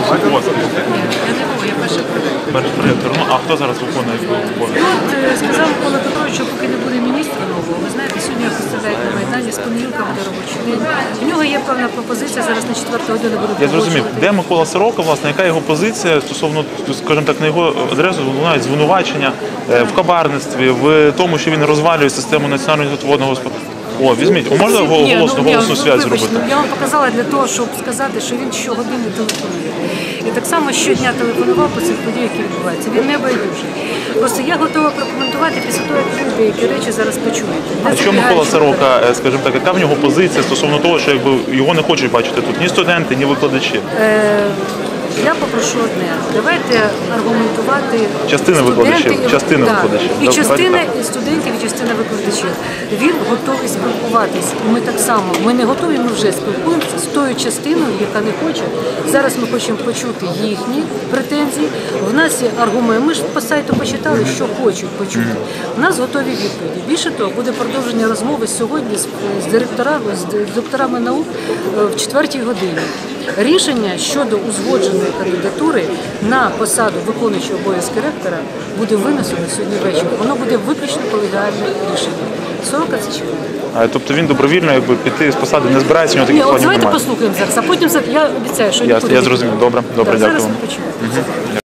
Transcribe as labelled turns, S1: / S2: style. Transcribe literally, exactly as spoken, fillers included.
S1: у вас?
S2: Ні, я не був, я перший проректор.
S1: Перший проректор. Ну, а хто зараз виконує обов'язки?
S2: Ну, от е, сказав Микола Петрович, що поки не буде міністра нового, ви знаєте, сьогодні його представляють на Майдані, з понеділка буде робочий день. У нього є певна пропозиція, зараз на четверту годину буде
S1: Я зрозумів,
S2: погоджувати.
S1: де Микола Сорока, власне, яка його позиція стосовно, скажімо так, на його адресу лунають звинувачення е, в кабарництві, в тому, що він розвалює систему національного водного господарства. О, візьміть, можна
S2: Ні,
S1: голосну,
S2: ну,
S1: голосну
S2: ні,
S1: связь
S2: вибачте,
S1: зробити?
S2: Я вам показала для того, щоб сказати, що він щогодини телефонує. І так само щодня телефонував по цих подіях, які відбуваються. Він не байдужий. Просто я готова прокоментувати після того, як ви деякі речі зараз почуєте.
S1: А що Микола Сорока, е, скажімо так, яка в нього позиція стосовно того, що якби його не хочуть бачити тут ні студенти, ні викладачі?
S2: Е, Я попрошу одне. Давайте аргументувати
S1: Частина
S2: студенти
S1: викладачів,
S2: і-
S1: частина
S2: так,
S1: викладачів.
S2: І
S1: Давайте
S2: частина
S1: так.
S2: і студентів, і частина викладачів. Він готовий спілкуватися. І ми так само. Ми не готові, ми вже спілкуємося з тою частиною, яка не хоче. Зараз ми хочемо почути їхні претензії. В нас є аргументи. Ми ж по сайту почитали, що хочуть почути. У нас готові відповіді. Більше того, буде продовження розмови сьогодні з, з директорами, з докторами наук е, в четвертій годині. Рішення щодо узгодженої кандидатури на посаду виконуючого обов'язки ректора буде винесено сьогодні ввечері. Воно буде виключно колегіальне рішення. Сорока це чекає.
S1: А, тобто він добровільно якби піти з посади, не збирається, у нього
S2: Ні,
S1: таких
S2: от
S1: планів
S2: давайте
S1: немає.
S2: послухаємо зараз, а потім за- я обіцяю, що
S1: Я,
S2: нікуди
S1: я
S2: не
S1: зрозумів.
S2: підемо.
S1: Добре, добре,
S2: Так,
S1: дякую
S2: зараз
S1: вам.
S2: ми почуємо.